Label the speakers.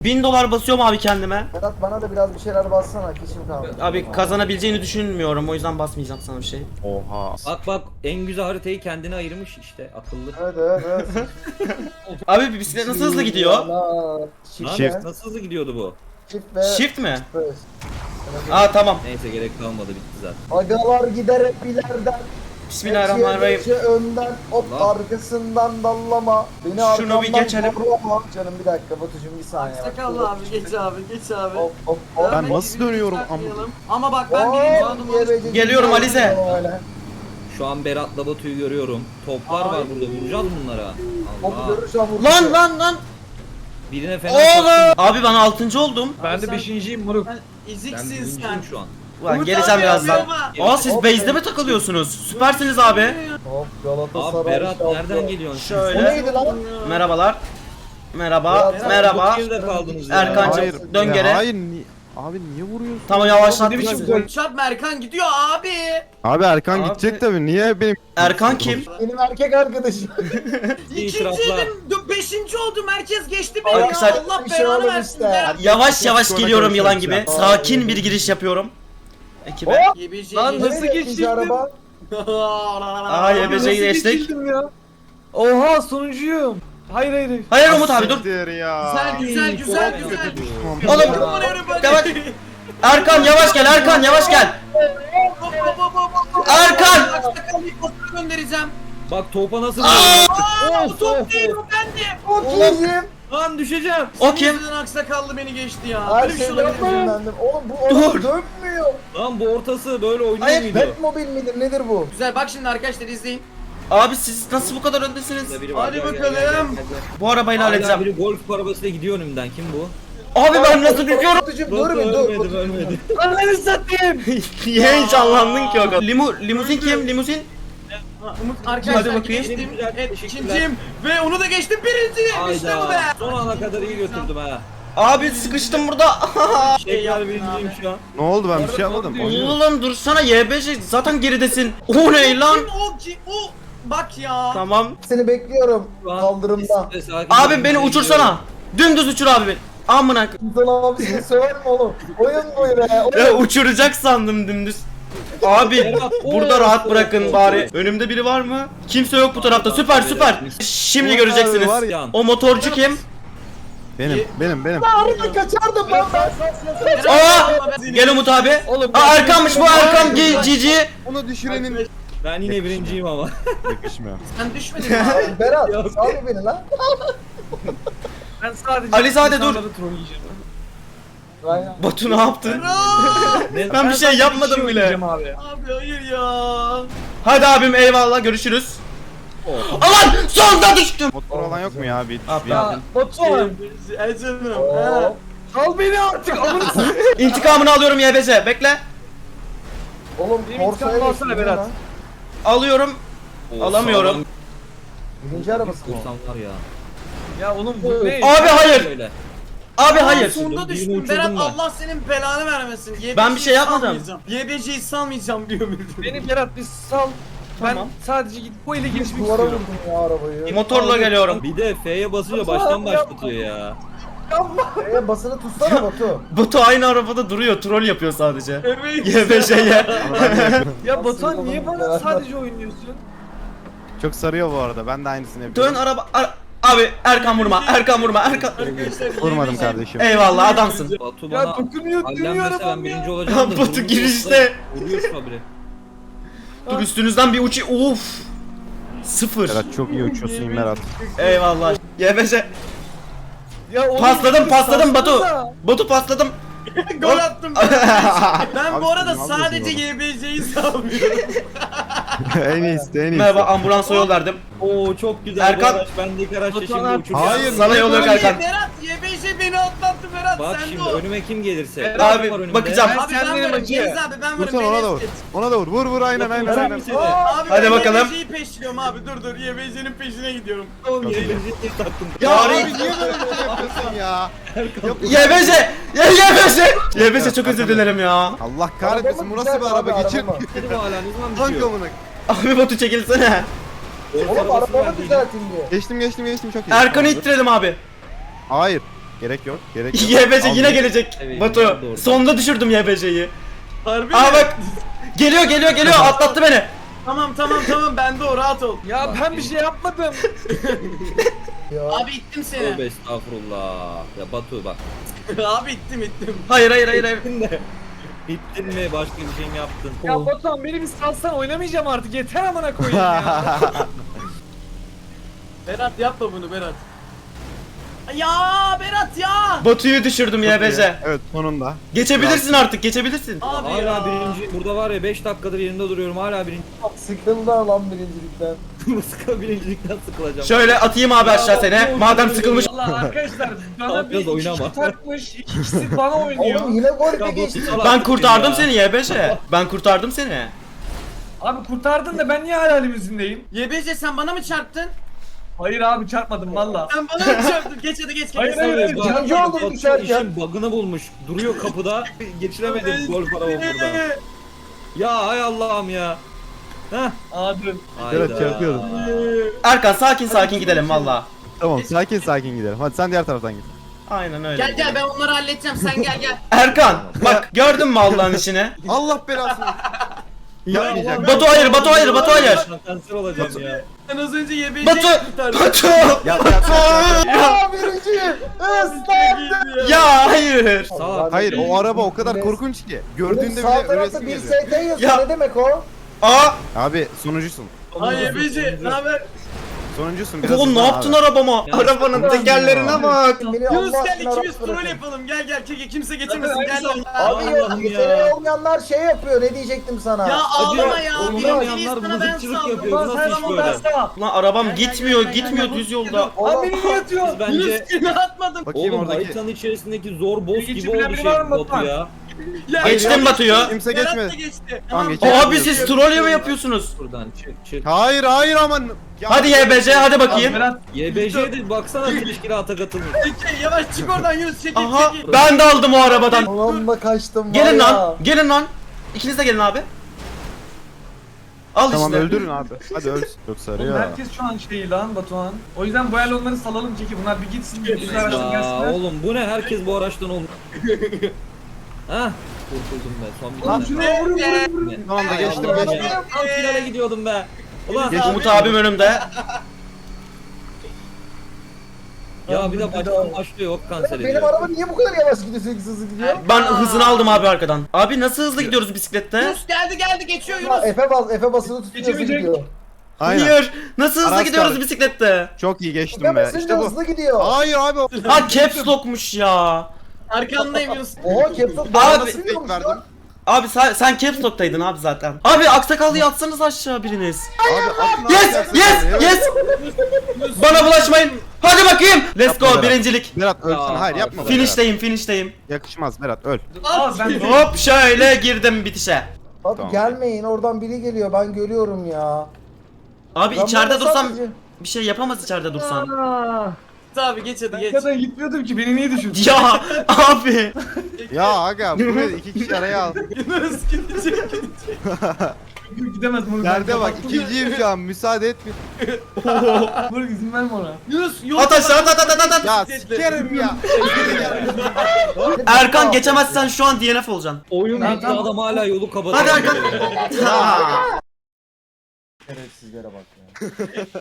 Speaker 1: $1000 basıyorum abi kendime.
Speaker 2: Berat bana da biraz bir şeyler bassana, kişim kaldı.
Speaker 1: Abi kazanabileceğini düşünmüyorum, o yüzden basmayacağım sana bir şey.
Speaker 3: Oha.
Speaker 4: Bak en güzel haritayı kendine ayırmış işte akıllı.
Speaker 2: Evet.
Speaker 1: Abi bisiklet nasıl hızlı gidiyor?
Speaker 2: Allah.
Speaker 3: Shift.
Speaker 4: Nasıl hızlı gidiyordu bu?
Speaker 2: Shift ve
Speaker 1: Shift mi?
Speaker 2: Space.
Speaker 1: Aa tamam.
Speaker 4: Neyse gerek kalmadı bitti zaten.
Speaker 2: Agalar gider hep ileriden.
Speaker 1: Bismillahirrahmanirrahim.
Speaker 2: Geçe önden, hop
Speaker 4: Allah.
Speaker 2: arkasından dallama. Beni
Speaker 1: Şunu
Speaker 2: arkamdan
Speaker 1: bir geçelim.
Speaker 2: zorlama. Canım bir dakika Batucuğum, bir saniye.
Speaker 5: Sakallı abi geç abi geç abi.
Speaker 2: Hop hop hop.
Speaker 3: Ben
Speaker 5: Hemen
Speaker 3: nasıl
Speaker 5: birbirimizi
Speaker 3: dönüyorum
Speaker 5: takmayalım. Ama bak ben birinci
Speaker 2: Hop,
Speaker 5: roundumu
Speaker 2: yebeci
Speaker 1: Geliyorum
Speaker 2: gibi
Speaker 1: Alize.
Speaker 2: öyle.
Speaker 4: Şu an Berat'la Batu'yu görüyorum. Toplar var burada vuracağız bunlara.
Speaker 2: Hop
Speaker 4: Allah.
Speaker 2: görürsem vurur.
Speaker 1: Lan.
Speaker 4: Birine fena
Speaker 1: Oğlum. Abi ben 6. oldum.
Speaker 5: Ben de 5.'yim moruk.
Speaker 4: Ben
Speaker 5: İziksin sen.
Speaker 4: birinciyim şu an.
Speaker 1: Ulan
Speaker 5: Umut
Speaker 1: geleceğim
Speaker 5: abi
Speaker 1: birazdan.
Speaker 5: yapıyor
Speaker 1: Aa siz base'de mi takılıyorsunuz? Süpersiniz abi.
Speaker 2: Hop Galatasaray.
Speaker 4: Abi Berat
Speaker 2: şampiyon.
Speaker 4: nereden geliyorsun?
Speaker 1: Şöyle.
Speaker 2: O neydi lan?
Speaker 1: Merhabalar. Merhaba.
Speaker 2: Berat,
Speaker 1: Merhaba.
Speaker 4: Bu kirde kaldınız ya.
Speaker 1: Erkancığım,
Speaker 3: Hayır.
Speaker 1: dön
Speaker 3: ya
Speaker 1: geri.
Speaker 3: Hayır. Abi niye vuruyorsun?
Speaker 1: Tamam yavaşlat bizi.
Speaker 5: Çarpma Erkan gidiyor abi.
Speaker 3: Abi Erkan
Speaker 1: Abi.
Speaker 3: gidecek tabii. Niye benim?
Speaker 1: Erkan kim?
Speaker 2: Benim erkek arkadaşım.
Speaker 4: İtiraflar.
Speaker 5: İkinciydim. 5. oldum. Herkes geçti beni
Speaker 1: Arkadaşlar,
Speaker 5: ya. Allah
Speaker 2: bir şey
Speaker 5: belanı
Speaker 2: oldu
Speaker 5: versin
Speaker 2: işte.
Speaker 5: Berat.
Speaker 1: Yavaş yavaş
Speaker 3: Sonra
Speaker 1: geliyorum yılan
Speaker 3: konuşuruz
Speaker 1: gibi.
Speaker 3: ya.
Speaker 1: Sakin bir giriş yapıyorum. Ekibe.
Speaker 2: Hop.
Speaker 5: YBC
Speaker 6: Lan
Speaker 5: geçti.
Speaker 6: nasıl
Speaker 2: Nereye ikinci
Speaker 6: geçtim?
Speaker 2: araba?
Speaker 1: Aa YBC'yi geçtik.
Speaker 6: geçildim ya? Oha sonuncuyum. Hayır.
Speaker 1: Hayır Umut abi dur.
Speaker 3: Siktir ya.
Speaker 5: Güzel.
Speaker 1: Oğlum yavaş. Erkan yavaş gel, Erkan yavaş gel. Erkan!
Speaker 5: Göndereceğim.
Speaker 4: Bak topa nasıl
Speaker 5: Aa, o top değil o bendim.
Speaker 2: Çok iyiyim.
Speaker 4: Lan düşeceğim.
Speaker 1: O kim?
Speaker 5: Yüzünden aksakallı beni geçti ya.
Speaker 2: Her
Speaker 5: Böyle bir
Speaker 2: şey
Speaker 5: şey olabilir mi?
Speaker 2: yapmayın. Oğlum bu orada
Speaker 1: Dur.
Speaker 2: dönmüyor.
Speaker 4: Lan bu ortası böyle oynuyor
Speaker 1: Hayır,
Speaker 4: muydu?
Speaker 2: Batmobil midir nedir bu?
Speaker 5: Güzel bak şimdi arkadaşlar izleyin.
Speaker 1: Abi siz nasıl bu kadar öndesiniz?
Speaker 4: Burada biri var,
Speaker 5: Hadi
Speaker 4: gel, gel,
Speaker 5: bakalım.
Speaker 4: gel, gel, gel.
Speaker 1: Bu arabayla
Speaker 4: Hala
Speaker 1: halledeceğim.
Speaker 4: biri golf arabasıyla gidiyor önümden. Kim bu?
Speaker 1: Abi ben nasıl düşüyorum?
Speaker 2: Batucuğum dur bir dur.
Speaker 4: Ölmedi, ölmedi.
Speaker 6: Ananı satayım.
Speaker 1: Niye heyecanlandın ki o kadar? Limuzin kim? Limuzin?
Speaker 5: Umut arkadaşlar
Speaker 1: Hadi bakayım.
Speaker 5: geçtim.
Speaker 4: Güzel,
Speaker 5: Evet
Speaker 4: teşekkürler.
Speaker 5: ikinciyim. Ve onu da geçtim birinciyim. İşte bu be.
Speaker 4: Hayda. Son ana kadar iyi götürdüm ha.
Speaker 1: Abi sıkıştım burada.
Speaker 4: Tekrar birinciyim şu an.
Speaker 3: Ne oldu, ben bir şey yapmadım.
Speaker 1: Oğlum dursana YBC zaten geridesin. O ne lan?
Speaker 5: Kim o? Bak ya.
Speaker 1: Tamam.
Speaker 2: Seni bekliyorum
Speaker 4: Şu an
Speaker 2: kaldırımda.
Speaker 4: sakin
Speaker 1: Abi beni uçursana. Dümdüz uçur abi beni. Amına.
Speaker 2: Sana abi seni söver mi oğlum? Oyun bu be.
Speaker 1: Ya uçuracak sandım dümdüz. Abi burada rahat bırakın bari. Önümde biri var mı? Kimse yok bu tarafta. Süper. Şimdi göreceksiniz.
Speaker 3: var
Speaker 4: ya.
Speaker 1: O motorcu kim?
Speaker 3: Benim.
Speaker 2: Arada kaçardım lan ben.
Speaker 1: Aa! Gel Umut abi.
Speaker 6: Oğlum,
Speaker 1: Aa Erkan'mış bu Erkan Cici.
Speaker 3: Onu düşürenin
Speaker 4: Ben yine birinciyim ama.
Speaker 3: yakışmıyor.
Speaker 5: Sen düşmedin mi abi?
Speaker 2: Berat sal beni lan.
Speaker 6: Ben sadece
Speaker 1: Alizade dur.
Speaker 6: insanları trolleyeceğim.
Speaker 2: Aynen.
Speaker 1: Batu ne yaptın?
Speaker 4: Ne?
Speaker 1: Ben bir şey
Speaker 6: sadece
Speaker 1: yapmadım
Speaker 6: kişi
Speaker 1: bile.
Speaker 6: oynayacağım Abi.
Speaker 5: Abi hayır ya.
Speaker 1: Hadi abim eyvallah görüşürüz. Aman sonda düştüm.
Speaker 3: Motor olan yok mu ya? Bir
Speaker 1: Abi.
Speaker 6: Ya Batuhan.
Speaker 5: Canım.
Speaker 2: Oo.
Speaker 6: Sal beni artık. Amına satayım.
Speaker 1: İntikamını alıyorum YBC. Bekle.
Speaker 2: Oğlum
Speaker 6: Benim
Speaker 2: Corsa'ya
Speaker 6: intikamımı
Speaker 2: geçtin
Speaker 6: alsana
Speaker 2: değil mi
Speaker 6: Berat.
Speaker 2: lan?
Speaker 1: Alıyorum. Alamıyorum.
Speaker 2: Birinci arabası mı?
Speaker 4: Kursam var ya.
Speaker 6: Ya oğlum bu ne?
Speaker 1: Abi hayır.
Speaker 4: Öyle.
Speaker 1: Abi hayır.
Speaker 5: Sonunda
Speaker 4: Birini
Speaker 5: düştüm.
Speaker 4: uçurdum
Speaker 5: Berat
Speaker 4: ben.
Speaker 5: Allah senin belanı vermesin. YBC'yi
Speaker 1: Ben bir şey yapmadım.
Speaker 5: salmayacağım. YBC'yi salmayacağım diyor müdür.
Speaker 6: Beni Berat bir sal.
Speaker 1: Tamam.
Speaker 6: Ben sadece git bu ile geçmek
Speaker 2: Duvara
Speaker 6: istiyorum.
Speaker 2: vurdum ya arabayı.
Speaker 1: Motorla geliyorum.
Speaker 4: Bir de F'ye basınca baştan başlatıyor ya.
Speaker 2: Basını tutsana Batu.
Speaker 1: Batu aynı arabada duruyor. Troll yapıyor sadece.
Speaker 5: Evet.
Speaker 1: YBC'ye.
Speaker 6: Ya Batuhan
Speaker 2: Nasıl
Speaker 6: niye
Speaker 2: yapalım
Speaker 6: bana
Speaker 2: ya?
Speaker 6: sadece oynuyorsun?
Speaker 3: Çok sarıyor bu arada. Ben de aynısını
Speaker 1: Dön
Speaker 3: yapıyorum.
Speaker 1: araba. Abi Erkan vurma. Erkan vurma. Erkan.
Speaker 5: Arkadaşlar
Speaker 3: Vurmadım
Speaker 5: YBC
Speaker 3: kardeşim.
Speaker 1: Eyvallah adamsın.
Speaker 4: Batu
Speaker 6: Ya
Speaker 4: bana
Speaker 6: dokunuyor dönüyor
Speaker 4: allenmese ben
Speaker 6: arabam
Speaker 4: birinci
Speaker 6: ya.
Speaker 4: olacağım da.
Speaker 1: Batu
Speaker 4: vurmuş
Speaker 1: girişte.
Speaker 4: olsa Vuruyor şu habire.
Speaker 1: Dur üstünüzden bir uçu. Uf. Sıfır.
Speaker 3: Berat çok iyi uçuyorsun Berat.
Speaker 1: Eyvallah. YBC.
Speaker 6: Ya oğlum,
Speaker 1: Pasladım pasladım Batu.
Speaker 6: salsana.
Speaker 1: Batu pasladım.
Speaker 5: Gol attım. Ben
Speaker 3: Abi
Speaker 5: bu arada
Speaker 3: sen ne
Speaker 5: sadece
Speaker 3: yapıyorsun
Speaker 5: YBC'yi salmıyorum.
Speaker 3: En iyisi.
Speaker 1: Merhaba ambulansa yol verdim.
Speaker 4: Oo çok güzel.
Speaker 1: Erkan-
Speaker 4: Bu araç bendeki araçla
Speaker 6: Batuhan
Speaker 4: şimdi
Speaker 6: abi-
Speaker 4: uçuracağım.
Speaker 3: Hayır.
Speaker 1: Sana yol yok Erkan.
Speaker 5: Berat YBC beni atlattı Berat.
Speaker 4: Bak
Speaker 5: sen
Speaker 4: şimdi
Speaker 5: de o.
Speaker 4: önüme kim gelirse.
Speaker 6: Abi,
Speaker 4: Berat var önümde.
Speaker 1: bakacağım.
Speaker 5: Abi ben
Speaker 6: Sen benim
Speaker 5: varım.
Speaker 6: acı.
Speaker 5: Deniz abi ben varım.
Speaker 3: Vursana ona da vur.
Speaker 5: Beni
Speaker 3: Ona da vur. Vur aynen.
Speaker 4: Vuracağım seni.
Speaker 5: Abi
Speaker 1: Hadi
Speaker 5: ben
Speaker 1: bakalım.
Speaker 5: YBC'yi peşliyorum abi dur YBC'nin peşine gidiyorum.
Speaker 4: Oğlum yayıncıyı taktım.
Speaker 3: Ya
Speaker 1: Bari-
Speaker 3: abi niye böyle bir şey yapıyorsun ya?
Speaker 1: YBC. YBC. YBC çok özür dilerim ya.
Speaker 3: Allah kahretmesin, bu nasıl bir araba geçir?
Speaker 4: Dedim hala ne zaman
Speaker 3: Tank
Speaker 4: bitiyor?
Speaker 3: amına.
Speaker 1: Abi Batu çekilsene.
Speaker 2: Oğlum arabamı düzeltin diye.
Speaker 3: Geçtim çok iyi.
Speaker 1: Erkan'ı ittirelim abi.
Speaker 3: Hayır. Gerek yok. Gerek yok.
Speaker 1: YBC yine
Speaker 3: Al.
Speaker 1: gelecek
Speaker 4: Evet,
Speaker 1: Batu.
Speaker 4: doğru.
Speaker 1: Sonunda düşürdüm YBC'yi.
Speaker 5: Harbi
Speaker 1: Aa
Speaker 5: mi?
Speaker 1: bak. Geliyor atlattı beni.
Speaker 5: Tamam bende o rahat ol.
Speaker 6: Ya ben bir şey yapmadım.
Speaker 2: Ya.
Speaker 5: Abi ittim seni.
Speaker 4: Tövbe estağfurullah. Ya Batu bak.
Speaker 5: Abi ittim.
Speaker 1: Hayır.
Speaker 4: Bittin mi? Başka bir şey mi yaptın?
Speaker 6: Ya Batuhan beni bir salsan oynamayacağım artık. Yeter amına koyayım ya.
Speaker 5: Berat yapma bunu Berat. Ya Berat ya.
Speaker 1: Batu'yu düşürdüm YBC.
Speaker 3: Evet sonunda.
Speaker 1: Geçebilirsin artık geçebilirsin.
Speaker 5: Abi
Speaker 4: Hala
Speaker 5: ya.
Speaker 4: birinci. Burada var ya 5 dakikadır yerinde duruyorum. Hala birinci.
Speaker 2: Sıkıldı lan birincilikten.
Speaker 4: Sıkı birincilikten sıkılacağım.
Speaker 1: Şöyle atayım abi aşağı seni. Madem sıkılmış.
Speaker 6: Valla arkadaşlar bana bir
Speaker 4: Biraz oynama.
Speaker 6: iki takmış. İkisi bana oynuyor.
Speaker 2: Oğlum yine gol
Speaker 4: Ya
Speaker 2: bir
Speaker 4: Batu
Speaker 2: geçti.
Speaker 4: salak
Speaker 1: Ben
Speaker 4: mısın
Speaker 1: kurtardım
Speaker 4: ya?
Speaker 1: seni YBC. Ben kurtardım seni.
Speaker 6: Abi kurtardın da ben niye hala limuzindeyim?
Speaker 5: YBC sen bana mı çarptın?
Speaker 6: Hayır abi çarpmadım valla.
Speaker 5: Sen bana mı çarptın? Geç hadi geç.
Speaker 6: Hayır,
Speaker 5: Hayır.
Speaker 6: hayır.
Speaker 4: Bak,
Speaker 2: Birinci oldum
Speaker 4: Batu
Speaker 2: düşerken.
Speaker 4: işin bug'ını bulmuş. Duruyor kapıda. Geçiremedim gol para burada. Ya hay Allah'ım ya. Heh.
Speaker 6: Abi.
Speaker 3: Evet,
Speaker 4: Hayda.
Speaker 3: çarpıyordum.
Speaker 1: Erkan sakin gidelim valla.
Speaker 3: Tamam sakin gidelim. Hadi sen diğer taraftan git.
Speaker 1: Aynen öyle.
Speaker 5: Gel ben onları halledeceğim sen gel.
Speaker 1: Erkan bak gördün mü Allah'ın işini?
Speaker 3: Allah belasını. Yapmayacak.
Speaker 1: Batu hayır.
Speaker 4: Ben kanser olacağım ya.
Speaker 5: Sen az önce YBC'yi
Speaker 1: Batu.
Speaker 3: Yap.
Speaker 2: Aa birinciyim. Islandım.
Speaker 1: Ya hayır.
Speaker 4: Salak.
Speaker 3: Hayır o araba o kadar korkunç ki. Gördüğünde
Speaker 2: Sağ
Speaker 3: bile
Speaker 2: tarafta
Speaker 3: ölesin
Speaker 2: bir
Speaker 3: geliyor.
Speaker 2: ST yazıyor.
Speaker 1: Ya.
Speaker 2: Ne demek o?
Speaker 1: Aa.
Speaker 3: Abi sonuncusun.
Speaker 5: Ay YBC ne haber?
Speaker 3: Sonuncusun biraz.
Speaker 1: Oğlum ne
Speaker 3: hızlan
Speaker 1: yaptın
Speaker 3: abi.
Speaker 1: arabama?
Speaker 4: Ya,
Speaker 1: Arabanın
Speaker 4: ya.
Speaker 1: tekerlerine bak.
Speaker 2: Beni
Speaker 5: Yunus
Speaker 2: Allah
Speaker 5: gel
Speaker 2: aşkına
Speaker 5: ikimiz
Speaker 2: rahat
Speaker 5: troll
Speaker 2: bırakın.
Speaker 5: yapalım. Gel kimse getirmesin
Speaker 6: Hadi,
Speaker 5: gel
Speaker 6: hadi.
Speaker 5: lan.
Speaker 2: Abi yok
Speaker 4: Allah'ım ya.
Speaker 2: yeteneği olmayanlar şey yapıyor. Ne diyecektim sana?
Speaker 5: Ya ağlama ya.
Speaker 4: Oynamayanlar
Speaker 5: Birinciliği sana ben
Speaker 4: mızıkçılık
Speaker 5: saldım.
Speaker 4: yapıyor. Bu nasıl
Speaker 6: Sen
Speaker 4: iş
Speaker 6: ama
Speaker 4: böyle?
Speaker 6: ben sağ.
Speaker 1: Lan arabam
Speaker 5: Gel,
Speaker 1: gitmiyor
Speaker 5: gel,
Speaker 1: düz yolda.
Speaker 6: Abi
Speaker 2: Oğlum,
Speaker 6: beni niye atıyor?
Speaker 4: Biz bence
Speaker 5: Yunus ne atmadım.
Speaker 3: Bakayım
Speaker 4: oğlum
Speaker 3: oradaki.
Speaker 4: haritanın içerisindeki zor boss
Speaker 6: Geçici
Speaker 4: gibi
Speaker 6: bilen
Speaker 4: oldu
Speaker 6: biri
Speaker 4: şey
Speaker 6: var mı
Speaker 4: Batu
Speaker 6: Batuhan?
Speaker 4: ya.
Speaker 5: Ya,
Speaker 1: Geçtim
Speaker 5: ya,
Speaker 1: Batu'yu.
Speaker 3: Kimse
Speaker 5: Berat da
Speaker 3: geçmedi.
Speaker 5: geçti.
Speaker 3: Tamam,
Speaker 5: Tamam.
Speaker 3: geçelim.
Speaker 1: Abi siz troll mi yapıyorsunuz?
Speaker 4: Buradan çık.
Speaker 3: Hayır aman. Ya-
Speaker 1: Hadi YBC hadi bakayım.
Speaker 6: Berat
Speaker 4: YBC'de baksana teşkilata katılmış.
Speaker 5: Çekil, yavaş çık oradan Yunus çekil
Speaker 1: Aha
Speaker 5: çekil.
Speaker 1: ben de aldım o arabadan.
Speaker 2: Ulan da kaçtım var
Speaker 1: Gelin
Speaker 2: ya.
Speaker 1: lan. Gelin lan. İkiniz de gelin abi. Al
Speaker 3: Tamam
Speaker 1: işte.
Speaker 3: öldürün abi. Hadi öl. Yoksa
Speaker 6: oğlum
Speaker 3: arıyor.
Speaker 6: herkes şu an şey lan Batuhan. O yüzden bu el onları salalım Ceki. Bunlar bir gitsin. Bir araçtan
Speaker 4: Ya
Speaker 6: gelsinler.
Speaker 4: oğlum bu ne herkes bu araçtan olmuş. Hah kurtuldum be son bir
Speaker 6: Oğlum
Speaker 4: tane.
Speaker 6: şuna vurun.
Speaker 3: Tamam da
Speaker 4: Hay
Speaker 3: geçtim
Speaker 4: Allah'ım
Speaker 3: geçtim.
Speaker 4: ya. Tam finale gidiyordum be. Ulan
Speaker 1: Umut abim önümde.
Speaker 4: ya bir de baştan başlıyor yok kanser
Speaker 2: Benim
Speaker 4: ediyor.
Speaker 2: araba niye bu kadar yavaş gidiyor, sürekli hızlı gidiyor?
Speaker 1: Ben hızını aldım abi arkadan. Abi nasıl hızlı gidiyoruz bisiklette?
Speaker 5: Yunus geldi geçiyor
Speaker 2: Ya
Speaker 5: Yunus.
Speaker 2: Efe basılı tutuyor hızlı
Speaker 6: Geçemeyecek.
Speaker 2: gidiyor.
Speaker 3: Aynen.
Speaker 1: Hayır. Nasıl hızlı
Speaker 3: Aras
Speaker 1: gidiyoruz
Speaker 3: kaldı.
Speaker 1: bisiklette?
Speaker 3: Çok iyi geçtim
Speaker 2: Efe
Speaker 3: be.
Speaker 2: basınca
Speaker 3: İşte bu.
Speaker 2: hızlı gidiyor.
Speaker 3: Hayır abi.
Speaker 1: Ha caps lockmuş ya.
Speaker 5: Arkandayım Yunus.
Speaker 2: Oha capsule
Speaker 1: Abi,
Speaker 2: nasıl
Speaker 3: fake
Speaker 2: biliyormuş
Speaker 3: verdim.
Speaker 2: lan?
Speaker 1: Abi sen caps lock'taydın abi zaten. Abi aksakallıyı atsanız aşağı biriniz.
Speaker 3: Abi atın
Speaker 1: Yes
Speaker 3: abi,
Speaker 1: yes
Speaker 3: evet.
Speaker 1: yes. Bana bulaşmayın. Hadi bakayım. Let's
Speaker 3: Yapma
Speaker 1: go
Speaker 3: Berat.
Speaker 1: birincilik.
Speaker 3: Berat ölsün.
Speaker 4: Ya,
Speaker 3: Hayır yapma. Berat.
Speaker 1: Finish'teyim.
Speaker 3: Yakışmaz Berat öl.
Speaker 6: Aa ben
Speaker 1: Hop şöyle girdim bitişe.
Speaker 2: Abi
Speaker 3: Tamam.
Speaker 2: gelmeyin, oradan biri geliyor, ben görüyorum ya.
Speaker 1: Abi
Speaker 2: Ben
Speaker 1: içeride
Speaker 2: burada
Speaker 1: dursam
Speaker 2: sadece-
Speaker 1: bir şey yapamaz içeride dursan.
Speaker 5: Abi geç hadi
Speaker 6: Ben
Speaker 5: geç.
Speaker 6: kadar gitmiyordum ki beni niye düşürdün?
Speaker 1: Ya abi.
Speaker 3: Ya aga buraya 2 kişi araya al.
Speaker 5: Yunus gidecek.
Speaker 6: Gidemez bunu.
Speaker 3: Yerde bak ikinciyim şu an müsaade etme.
Speaker 6: Dur izin verme ona.
Speaker 5: Yunus yol.
Speaker 1: At aşağı at.
Speaker 3: Ya sikerim ya.
Speaker 1: Erkan geçemezsen şu an DNF olacaksın.
Speaker 4: Oyun
Speaker 6: Ben
Speaker 4: bitti
Speaker 6: tam-
Speaker 4: adam hala yolu kapatıyor.
Speaker 1: Hadi Erkan. Ha.
Speaker 2: Şerefsizlere bak ya.